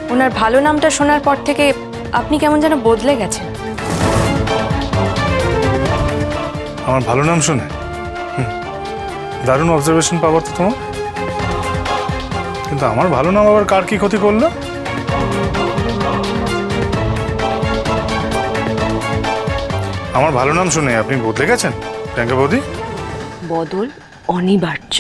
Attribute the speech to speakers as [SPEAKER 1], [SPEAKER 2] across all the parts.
[SPEAKER 1] ওনার ভালো নামটা শোনার পর থেকে আপনি কেমন যেন বদলে গেছেন।
[SPEAKER 2] আমার ভালো নাম শুনে দারুণ অবজারভেশন পাওয়ার তো তোমার। কিন্তু আমার ভালো নাম আবার কার কি ক্ষতি করলো? আমার ভালো নাম শুনে আপনি বদলে গেছেন প্রিয়াঙ্কা বৌদি?
[SPEAKER 1] বদল অনিবার্য।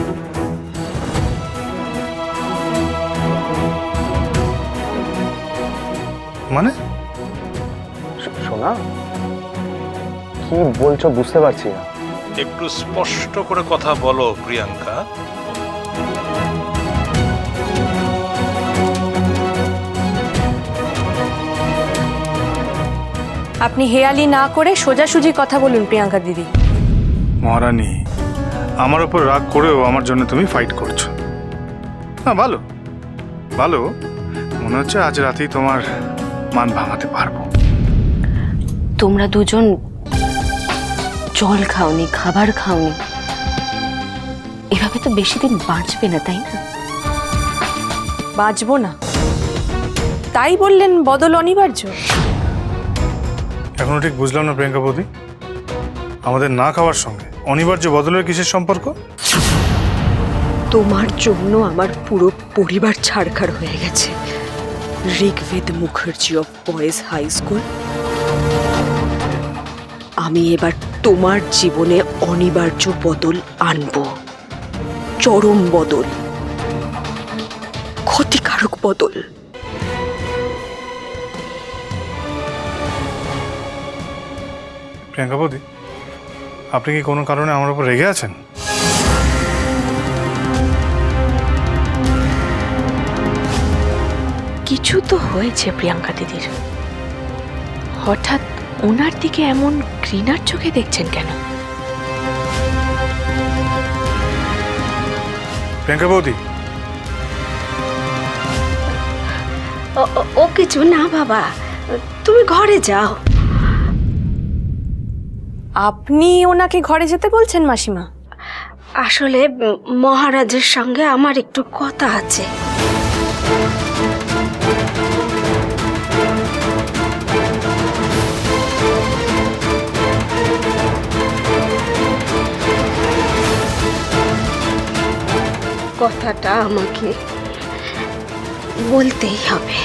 [SPEAKER 2] মানে
[SPEAKER 3] শোনা, কি বলছো বুঝতে পারছি না।
[SPEAKER 4] একটু স্পষ্ট করে কথা বলো প্রিয়াঙ্কা।
[SPEAKER 1] আপনি হেয়ালি না করে সোজাসুজি কথা বলুন প্রিয়াঙ্কা দিদি।
[SPEAKER 2] মহারানী, আমার উপর রাগ করেও আমার জন্য তুমি ফাইট করছো। না, ভালো ভালো, মনে হচ্ছে আজ রাতেই তোমার মান ভাঙাতে পারবো।
[SPEAKER 5] তোমরা দুজন জল খাওনি, খাবার খাওনি, এভাবে তো বেশি দিন বাঁচবে না, তাই না?
[SPEAKER 1] বাঁচবো না তাই বললেন বদল অনিবার্য?
[SPEAKER 2] এখনো ঠিক বুঝলাম না প্রিয়াঙ্কা বৌদি, আমাদের না খাওয়ার সঙ্গে অনিবার্য বদলের কিসের সম্পর্ক?
[SPEAKER 6] তোমার জন্য আমার পুরো পরিবার ছাড়খাড় হয়ে গেছে। Rigved Mukherjee of boys high school, আমি এবার তোমার জীবনে অনিবার্য বদল আনবো। চরম বদল, ক্ষতিকারক বদল।
[SPEAKER 2] প্রিয়াঙ্কা বৌদি, আপনি কি কোনো কারণে আমার উপর রেগে আছেন?
[SPEAKER 5] কিছু তো হয়েছে প্রিয়াঙ্কা দিদির। হঠাৎ ওনার দিকে এমন ঘৃণার চোখে দেখছেন কেন?
[SPEAKER 2] প্রিয়াঙ্কা বৌদি,
[SPEAKER 6] ও কিছু না বাবা, তুমি ঘরে যাও।
[SPEAKER 1] আপনি ওনাকে ঘরে যেতে বলছেন মাসিমা?
[SPEAKER 6] আসলে মহারাজের সঙ্গে আমার একটু কথা আছে। কথাটা আমাকে বলতেই হবে।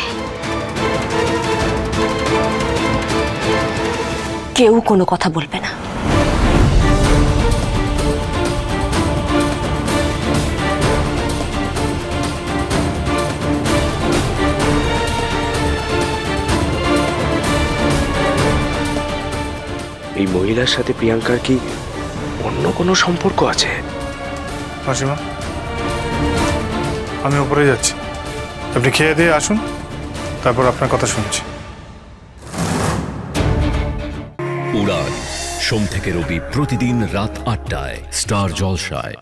[SPEAKER 5] কেউ কোনো কথা বলবে না।
[SPEAKER 3] এই মহিলার সাথে প্রিয়াঙ্কার কি অন্য কোনো সম্পর্ক আছে?
[SPEAKER 2] মাসিমা, আমি উপরে যাচ্ছি, আপনি খেয়ে দিয়ে আসুন, তারপর আপনার কথা শুনছি।
[SPEAKER 7] উড়ান সোম থেকে রবি প্রতিদিন রাত ৮টায় স্টার জলসায়।